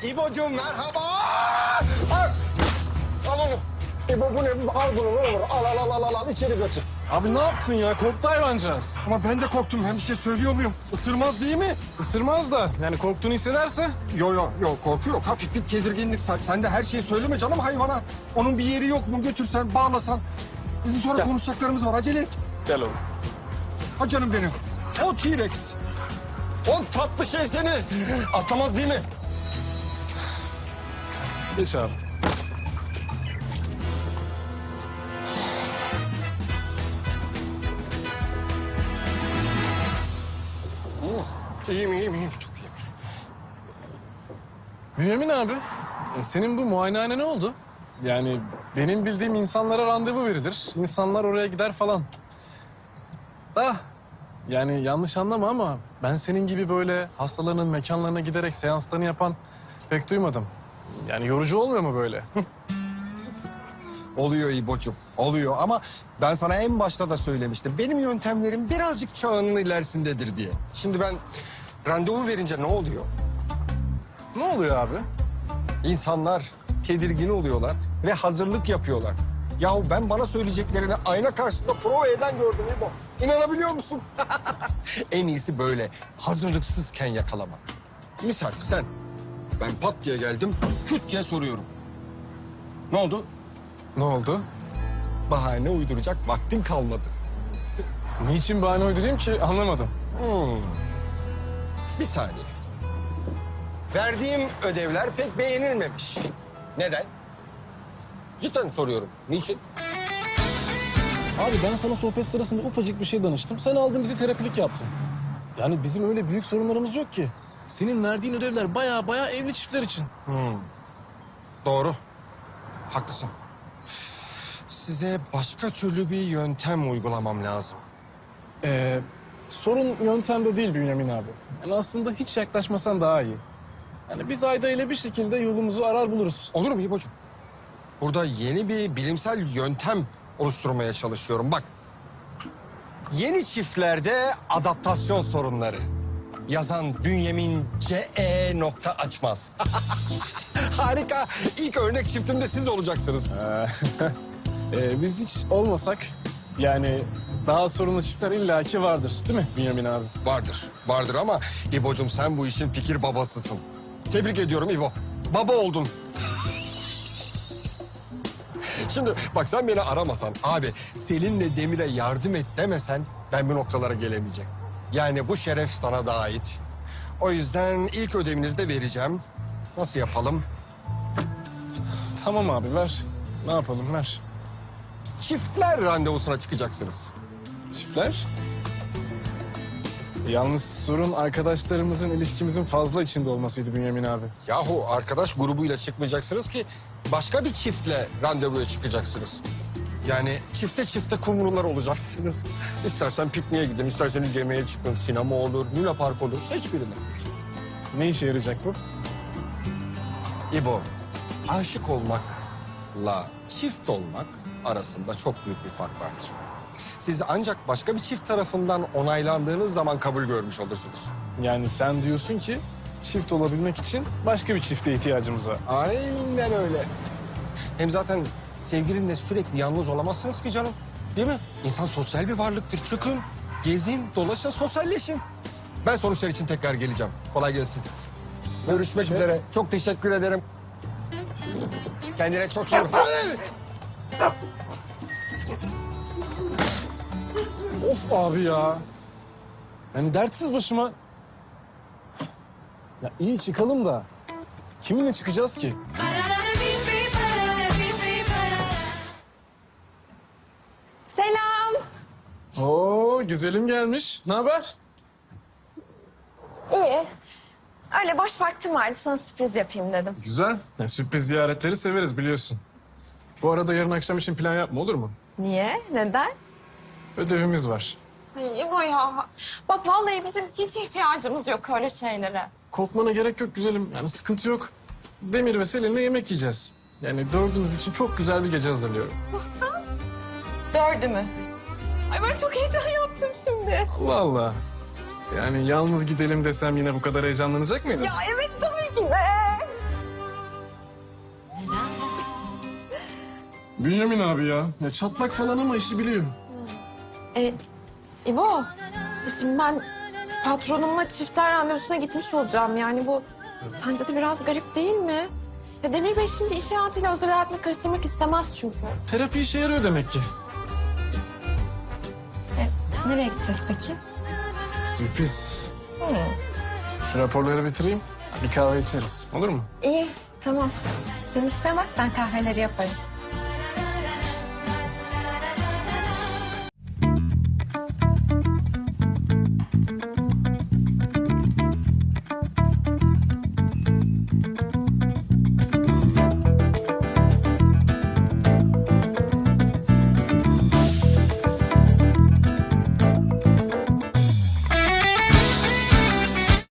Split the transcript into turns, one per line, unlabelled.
İbocuğum merhaba. Al onu. İbo bu ne? Al bunu ne olur. Al içeri götür.
Abi ne yaptın ya? Korktu hayvancağız.
Ama ben de korktum. Ben bir şey söylüyor muyum? Isırmaz değil mi?
Isırmaz da. Yani korktuğunu hissederse.
Yo korku yok. Hafif bir tedirginlik. Sen de her şeyi söyleme canım hayvana. Onun bir yeri yok mu? Götürsen, bağlasan. Bizim sonra
Gel.
konuşacaklarımız var. Acele et.
Gel oğlum.
Ha canım benim. O T-Rex. O tatlı şey seni atlamaz değil mi?
Geç abi. İyi misin?
İyiyim. Çok iyiyim.
Bünyamin abi. Senin bu muayenehane ne oldu? Yani benim bildiğim insanlara randevu verilir. İnsanlar oraya gider falan. Da yani yanlış anlama ama ben senin gibi böyle hastaların mekanlarına giderek seanslarını yapan pek duymadım. Yani yorucu olmuyor mu böyle?
Oluyor İbo'cum, oluyor ama ben sana en başta da söylemiştim. Benim yöntemlerim birazcık çağının ilerisindedir diye. Şimdi ben randevu verince ne oluyor?
Ne oluyor abi?
İnsanlar tedirgin oluyorlar ve hazırlık yapıyorlar. Yahu ben bana söyleyeceklerini ayna karşısında prova eden gördüm İbo. İnanabiliyor musun? En iyisi böyle hazırlıksızken yakalamak. Misal sen, ben pat diye geldim, küt diye soruyorum. Ne oldu?
Ne oldu?
Bahane uyduracak vaktin kalmadı.
Niçin bahane uydurayım ki anlamadım.
Bir saniye. Verdiğim ödevler pek beğenilmemiş. Neden? Cidden soruyorum. Niçin?
Abi ben sana sohbet sırasında ufacık bir şey danıştım. Sen aldın bizi terapilik yaptın. Yani bizim öyle büyük sorunlarımız yok ki. Senin verdiğin ödevler baya evli çiftler için.
Doğru. Haklısın. Size başka türlü bir yöntem uygulamam lazım.
Sorun yöntemde değil Bünyamin abi. Yani aslında hiç yaklaşmasan daha iyi. Yani biz Ayda ile bir şekilde yolumuzu arar buluruz.
Olur mu İbocuğum? Burada yeni bir bilimsel yöntem oluşturmaya çalışıyorum. Bak. Yeni çiftlerde adaptasyon sorunları. Yazan Bünyamin C.E. Açmaz. Harika. İlk örnek çiftimde siz olacaksınız.
Biz hiç olmasak yani daha sorunlu çiftler illaki vardır değil mi Bünyamin abi?
Vardır ama İbo'cum sen bu işin fikir babasısın. Tebrik ediyorum İbo. Baba oldun. Şimdi bak sen beni aramasan abi Selin'le Demir'e yardım et demesen ben bu noktalara gelemeyeceğim. Yani bu şeref sana da ait. O yüzden ilk ödevinizi de vereceğim. Nasıl yapalım?
Tamam abi ver. Ne yapalım ver.
Çiftler randevusuna çıkacaksınız.
Çiftler? Yalnız sorun arkadaşlarımızın ilişkimizin fazla içinde olmasıydı Bünyamin abi.
Yahu arkadaş grubuyla çıkmayacaksınız ki başka bir çiftle randevuya çıkacaksınız. Yani çifte kumrular olacaksınız. İstersen pikniğe gidin, isterseniz yemeğe çıkın, sinema olur, Luna Park olur, seç birini.
Ne işe yarayacak bu?
İbo, aşık olmakla çift olmak arasında çok büyük bir fark vardır. Siz ancak başka bir çift tarafından onaylandığınız zaman kabul görmüş olursunuz.
Yani sen diyorsun ki çift olabilmek için başka bir çifte ihtiyacımız var.
Aynen öyle. Hem zaten sevgilinle sürekli yalnız olamazsınız ki canım. Değil mi? İnsan sosyal bir varlıktır. Çıkın, gezin, dolaşın, sosyalleşin. Ben sonuçlar için tekrar geleceğim. Kolay gelsin. Görüşmek üzere. Çok teşekkür ederim. Kendine çok iyi bak.
Of abi ya. Yani dertsiz başıma. Ya iyi çıkalım da kiminle çıkacağız ki?
Selam.
Oo güzelim gelmiş. Ne haber?
İyi. Öyle boş vaktim vardı, sana sürpriz yapayım dedim.
Güzel. Ya, sürpriz ziyaretleri severiz biliyorsun. Bu arada yarın akşam için plan yapma olur mu?
Niye? Neden?
Ödevimiz var.
Ay İbo ya. Bak vallahi bizim hiç ihtiyacımız yok öyle şeylere.
Korkmana gerek yok güzelim. Yani sıkıntı yok. Demir ve Selin'le yemek yiyeceğiz. Yani dördümüz için çok güzel bir gece hazırlıyorum.
Dördümüz. Ay ben çok heyecan yaptım şimdi.
Allah Allah. Yani yalnız gidelim desem yine bu kadar heyecanlanacak mıydın?
Ya evet tabii ki de.
Bünyamin abi ya. Ya çatlak falan ama işi biliyor.
İbo, şimdi ben patronumla çiftler randevusuna gitmiş olacağım. Yani bu sence de biraz garip değil mi? Ya Demir Bey şimdi iş hayatıyla özel hayatını karıştırmak istemez çünkü.
Terapi işe yarıyor demek ki.
Nereye gideceğiz peki?
Sürpriz. Şu raporları bitireyim. Bir kahve içeriz. Olur mu?
İyi, tamam. Sen işine bak, ben kahveleri yaparım.